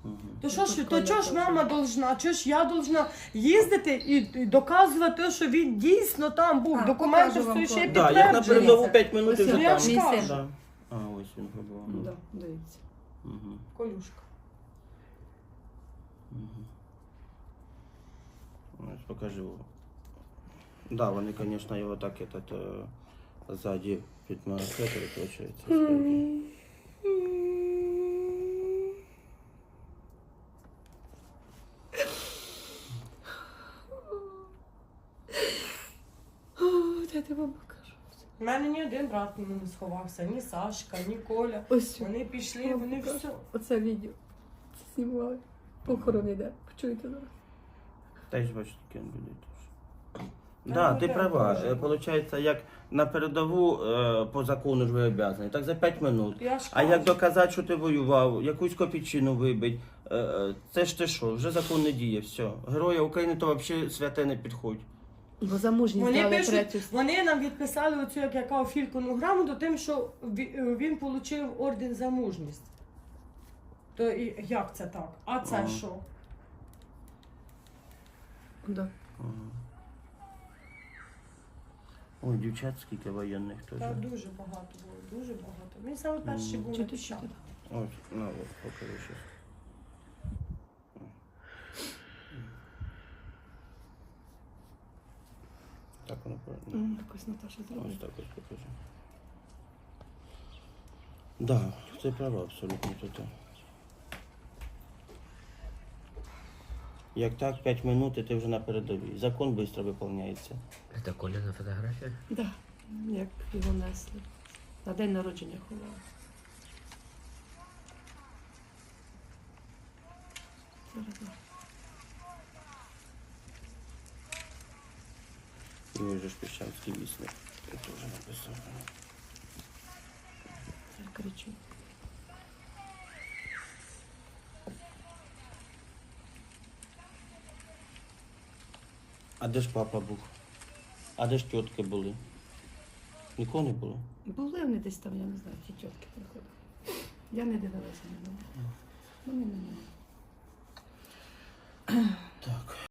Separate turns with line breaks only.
То що ж мама должна, що ж я должна їздити і доказувати, що він дійсно там був. Документи
покажу вам
все ще
фото.
Так, як на
підтверджені.
передову 5 минут і
Ось
вже
я
там.
ж
Мій
кажу.
син.
Да. А, ось він пробував.
Да, дивіться.
Угу.
Колюшка.
Ось покажу. Да, вони, звісно, його так ззаді підмаркетили, виходить.
Я тебе покажу.
У мене ні один брат не сховався, ні Сашка, ні Коля.
Ось.
Вони пішли, вони все.
Оце відео. Це знімали. Похорон йде. Почуєте зараз?
Та й ж бачу, таке люди теж. Да, ти права. Получається, як на передову по закону ж ви обов'язані, так за 5 минут.
Я ж
А
кажу.
як доказати, що ти воював, якусь копійчину вибить, це ж ти що, вже закон не діє, все. Героя України то взагалі святе не підходь.
Бо замужні
Вони
здали
пишуть,
третю.
вони нам відписали оцю, як я кажу, фількону грамоту, тим, що він отримав орден за мужність. То і як це так? А це
Ага.
що?
Да.
Ой, дівчат скільки воєнних теж.
Та дуже багато було, дуже багато. Він саме перший був
Чути,
написав.
чути.
Ось, на, от, покажу щас. Так воно правильно.
Якось Наташа
Ось
зробила.
так ось покажу. Да, ти права абсолютно тут. Як так, 5 минут, і ти вже на передовій. Закон швидко виконується.
Это Коляна фотография?
Да. Як його несли. На день народження ховали. Зараз. Да.
І ось же ж Піщанський вісник. Я теж написав.
Я кричу.
А де ж папа був? А де ж тітки були? Нікого не було?
Були вони десь там, я не знаю, ті тітки приходили. Я не дивилася на них. Вони не.
Так.